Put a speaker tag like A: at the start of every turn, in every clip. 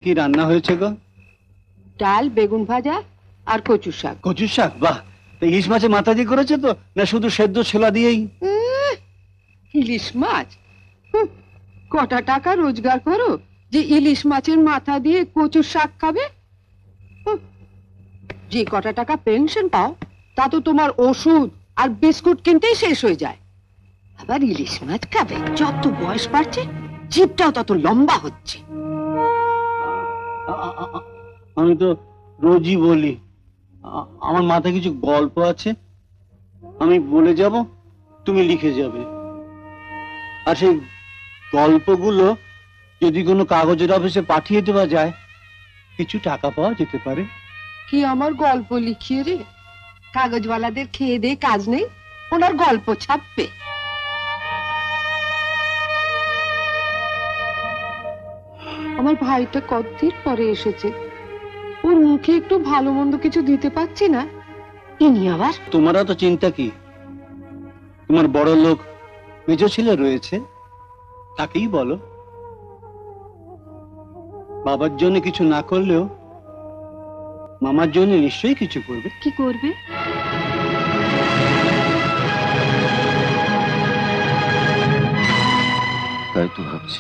A: কি রান্না হয়েছে গো?
B: ডাল, বেগুন ভাজা আর কচু শাক।
A: কচু শাক? বাহ! ইলিশ মাছের মাথা দিয়ে করেছে তো, না শুধু সেদ্ধ ছোলা দিয়েই?
B: ইলিশ মাছ? কটা টাকা রোজগার করো যে ইলিশ মাছের মাথা দিয়ে কচু শাক খাবে? যে কটা টাকা পেনশন পাও তা তো তোমার ওষুধ আর বিস্কুট কিনতেই শেষ হয়ে যায়। আবার ইলিশ মাছ খাবে? যত বয়স বাড়ছে জিভটাও তত লম্বা হচ্ছে।
A: আমি তো রোজই বলি আমার মাথায় কিছু গল্প আছে, আমি বলে যাব, তুমি লিখে যাবে। আর সেই গল্পগুলো যদি কোনো কাগজের অফিসে পাঠিয়ে দেওয়া যায়, কিছু টাকা পাওয়া যেতে পারে।
B: কি আমার গল্প লিখিয়ে রে? কাগজওয়ালাদের খেয়ে দে কাজ নেই, ওনার গল্প ছাপবে। আমার ভাইটা কতদিন পরে এসেছে, ওর মুখে একটু ভালো মন্দ কিছু দিতে পারছি না। ইনি আবার।
A: তোমারও তো চিন্তা কি, তোমার বড় লোক মেজ ছেলে রয়েছে, তাকেই বলো। বাবার জন্য কিছু না করলেও মামার জন্য নিশ্চয়ই কিছু করবে।
B: কি করবে?
C: তাই তো ভাবছি,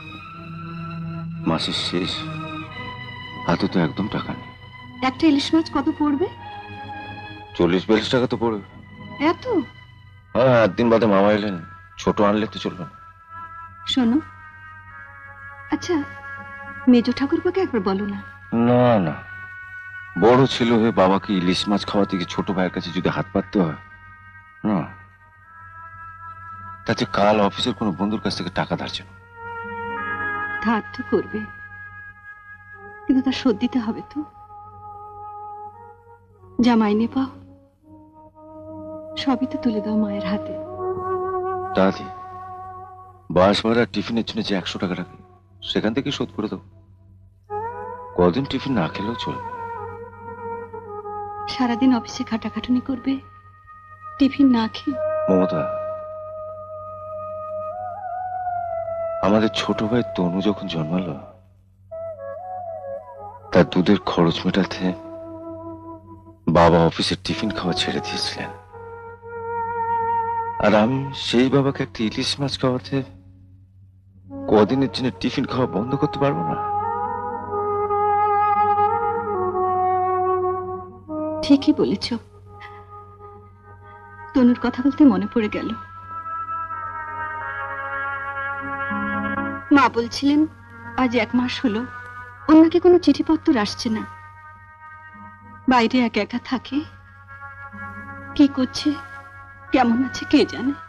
C: মাসের শেষ, হাতে তো একদম টাকা নেই।
B: একটা ইলিশ মাছ কত পড়বে?
C: 40-42 টাকা তো পড়বে।
B: এত?
C: হ্যাঁ, একদিন বাদে মামা এলেন, ছোট আনলে তো চলবে না।
D: শোনো, আচ্ছা মেজ ঠাকুরপাকে একবার বলো না।
C: না না, বড় ছিল হয়ে বাবাকে ইলিশ মাছ খাওয়াতে গিয়ে ছোট ভাইয়ের কাছে যদি হাত পাততে হয় না, তাতে কাল অফিসের কোনো বন্ধুর কাছ থেকে টাকা ধার চাও।
D: ধার তো করবে, কিন্তু তার শোধ দিতে হবে তো। যা মাইনে পাও সবই তো তুলে দাও মায়ের হাতে।
C: দাদি, বাস ভাড়া টিফিনের জন্য যে 100 টাকা রাখে, সেখান থেকে শোধ করে দেবো। কদিন টিফিন না খেলেও চলবে।
D: সারাদিন অফিসে খাটাখাটুনি করবে, টিফিন না খেয়ে।
C: মমতা, আমাদের ছোট ভাই তনু যখন জন্মালো, তার দুধের খরচ মেটাতে বাবা অফিসের টিফিন খাওয়া ছেড়ে দিয়েছিলেন। আর আমি সেই বাবাকে একটা ইলিশ মাছ খাওয়াতে কদিনের জন্য টিফিন খাওয়া বন্ধ করতে পারবো না।
D: ঠিকই বলেছ। তনুর কথা বলতে মনে পড়ে গেল, মা বলছিলেন আজ 1 মাস হলো ওর নাকি কোনো চিঠিপত্র আসছে না। বাইরে একা একা থাকে, কি করছে কেমন আছে কে জানে।